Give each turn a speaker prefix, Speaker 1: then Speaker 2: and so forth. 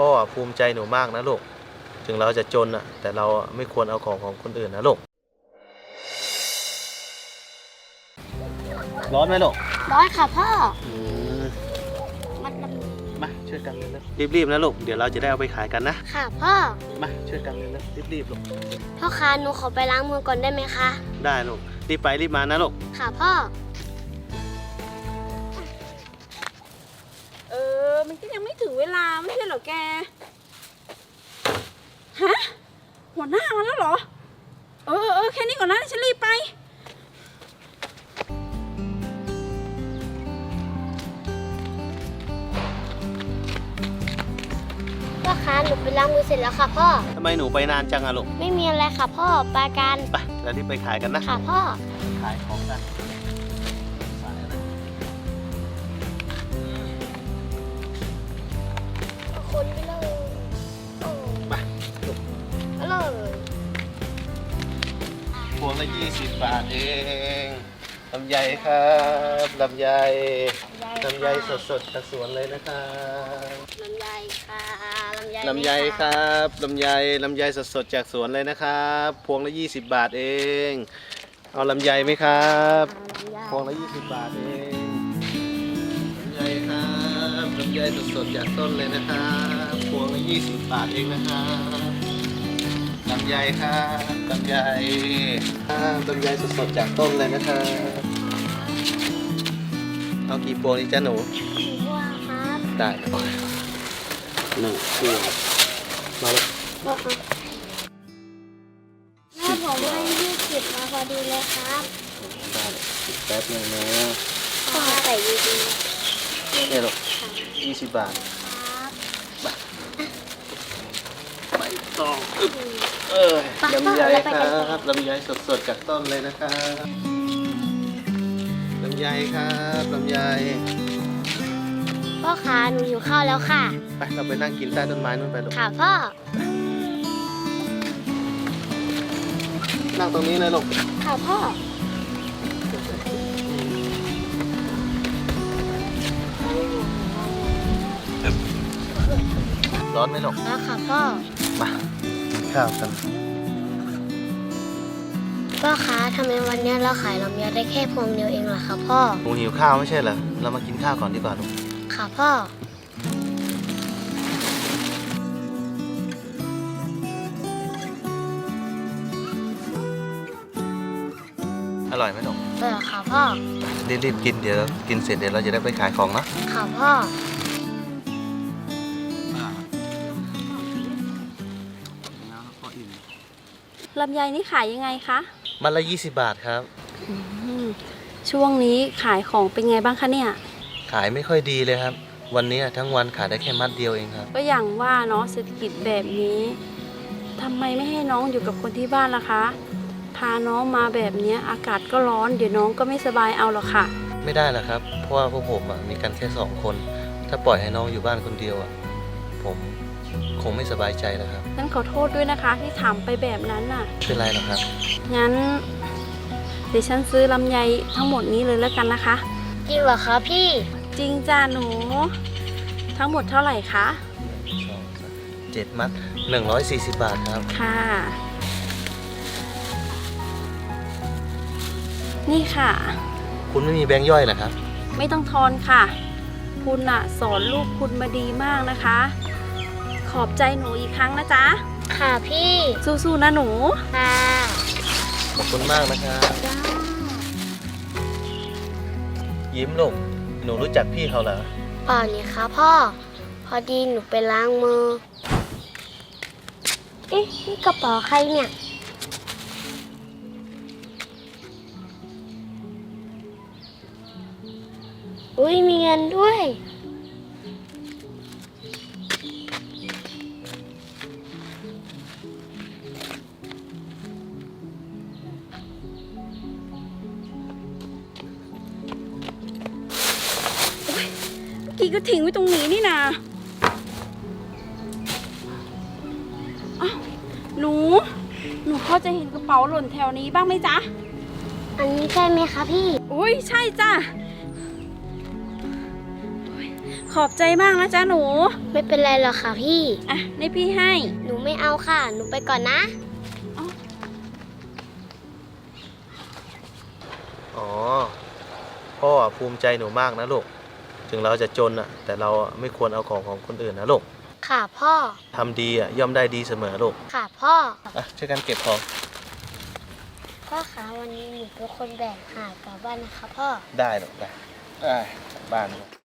Speaker 1: พ่อภูมิใจหนูมากนะลูกถึงเราจะจนอะแต่เราไม่ควรเอาของคนอื่นนะลูกร้อนไหมลูก
Speaker 2: ร้อนค่ะพ่อ
Speaker 1: มาช่วยกันเลยนะรีบๆนะลูกเดี๋ยวเราจะได้เอาไปขายกันนะ
Speaker 2: ค่ะพ่อ
Speaker 1: มาช่วยกันเลยนะรีบๆลูก
Speaker 2: พ่อคะหนูขอไปล้างมือก่อนได้ไหมคะ
Speaker 1: ได้ลูกรีบไปรีบมานะลูก
Speaker 2: ค่ะพ่อ
Speaker 3: มันก็ยังไม่ถึงเวลาไม่ใช่เหรอแกฮะหัวหน้ามาแล้วเหรอแค่นี้ก่อนนะฉันรีบไป
Speaker 2: พ่อคะหนูไปล้างมือเสร็จแล้วค่ะพ่อ
Speaker 1: ทำไมหนูไปนานจังอะลูก
Speaker 2: ไม่มีอะไรค่ะพ่อไปกัน
Speaker 1: ไปเรารีบไปขายกันนะ
Speaker 2: ค่ะพ่อ
Speaker 1: ขายของกัน
Speaker 2: คนไปเลย
Speaker 1: ไปลูก
Speaker 2: เลย
Speaker 1: พวงละ20 บาทเองลำไยครับลำไยสดๆจากสวนเลยนะครับ
Speaker 2: ลำไยค่ะ
Speaker 1: ลำไยครับลำไยสดๆจากสวนเลยนะครับพวงละ20 บาทเองเอาลำไยไหมครับพวงละ20 บาทเองลำไยครับลำไยสดๆจากต้นเลยนะครับพวงละ20 บาทเองนะครับลำไยครับลำไยสดๆจากต้นเลยนะครับเอากี่พวงดีจ้าหนู
Speaker 2: พวงครับ
Speaker 1: ได้1 พวงมาเลย
Speaker 2: พ่อครับแม่ผมให้20มาพอดีเลยครับ
Speaker 1: ได้เลยแป๊บนึงนะ
Speaker 2: พ่อใส่ดี
Speaker 1: ๆนี่ลูก20 บาท
Speaker 2: ครับ
Speaker 1: ไม่ต้องลำไยครับลำไยสดๆจากต้นเลยนะครับลำไยครับลำไย
Speaker 2: พ่อคะหนูหิวข้าวแล้วค่ะ
Speaker 1: ไปเราไปนั่งกินใต้ต้นไม้นู่นไปลูก
Speaker 2: ค่ะพ่อ
Speaker 1: นั่งตรงนี้เลยลูก
Speaker 2: ค่ะพ่อ
Speaker 1: ร้อนไหมลูก
Speaker 2: แล้วค่ะพ่อ
Speaker 1: มากินข้าวกัน
Speaker 2: พ่อคะทำไมวันนี้เราขายลำไยได้แค่พวงเดียวเองล่ะคะพ่อ
Speaker 1: หนูหิวข้าวไม่ใช่เหรอเรามากินข้าวก่อนดีกว่าลูก
Speaker 2: ค่ะพ่อ
Speaker 1: อร่อยไหมลูก
Speaker 2: ค่ะพ่อ
Speaker 1: รีบกินเดี๋ยวกินเสร็จเดี๋ยวเราจะได้ไปขายของนะ
Speaker 2: ค่ะพ่อ
Speaker 3: ลำไยนี่ขายยังไงคะ
Speaker 1: มันละ20 บาทครับ
Speaker 3: ช่วงนี้ขายของเป็นไงบ้างคะเนี่ย
Speaker 1: ขายไม่ค่อยดีเลยครับวันนี้ทั้งวันขายได้แค่มัดเดียวเองครับ
Speaker 3: ก็อย่างว่าเนาะเศรษฐกิจแบบนี้ทำไมไม่ให้น้องอยู่กับคนที่บ้านล่ะคะพาน้องมาแบบนี้อากาศก็ร้อนเดี๋ยวน้องก็ไม่สบายเอาหรอกค่ะ
Speaker 1: ไม่ได้หรอกครับเพราะว่าพวกผมมีกันแค่2 คนถ้าปล่อยให้น้องอยู่บ้านคนเดียวผมคงไม่สบายใจแล้วครับ
Speaker 3: งั้นขอโทษด้วยนะคะที่ถามไปแบบนั้นน่ะ
Speaker 1: ไม่เป็นไรหรอกครับ
Speaker 3: งั้นเดี๋ยวฉันซื้อลำไยทั้งหมดนี้เลยแล้วกันนะคะ
Speaker 2: จริงเหรอคะพี่
Speaker 3: จริงจ้าหนูทั้งหมดเท่าไหร่คะ
Speaker 1: 7 มัด140 บาทครับ
Speaker 3: ค่ะนี่ค่ะ
Speaker 1: คุณไม่มีแบงค์ย่อยเหรอครับ
Speaker 3: ไม่ต้องทอนค่ะคุณสอนลูกคุณมาดีมากนะคะขอบใจหนูอีกครั้งนะจ๊ะ
Speaker 2: ค่ะพี่
Speaker 3: สู้ๆนะหนู
Speaker 2: ค่ะ
Speaker 1: ขอบคุณมากนะครับยิ้มลูกหนูรู้จักพี่เขาเหรอ
Speaker 2: เปล่านี่คะพ่อพอดีหนูไปล้างมือนี่กระเป๋าใครเนี่ยอุ้ยมีเงินด้วย
Speaker 3: เมื่อกี้ก็ทิ้งไว้ตรงนี้นี่นะหนูพอจะเห็นกระเป๋าหล่นแถวนี้บ้างไหมจ๊ะ
Speaker 2: อันนี้ใช่ไหมคะพี่
Speaker 3: อุ้ยใช่จ้ะขอบใจมากนะจ๊ะหนู
Speaker 2: ไม่เป็นไรหรอกค่ะพี่
Speaker 3: อ่ะนี่พี่ให้
Speaker 2: หนูไม่เอาค่ะ หนูไปก่อนนะ
Speaker 1: อ๋อ พ่อภูมิใจหนูมากนะลูก ถึงเราจะจนอ่ะ แต่เราไม่ควรเอาของคนอื่นนะลูก
Speaker 2: ค่ะพ่อ
Speaker 1: ทำดีอ่ะย่อมได้ดีเสมอลูก
Speaker 2: ค่ะพ่อ
Speaker 1: อ่ะช่วยกันเก็บของ
Speaker 2: พ่อคะวันนี้หนูเป็นคนแบกหาบกลับบ้านนะคะพ่อ
Speaker 1: ได้หรอกได้กลับบ้านลูก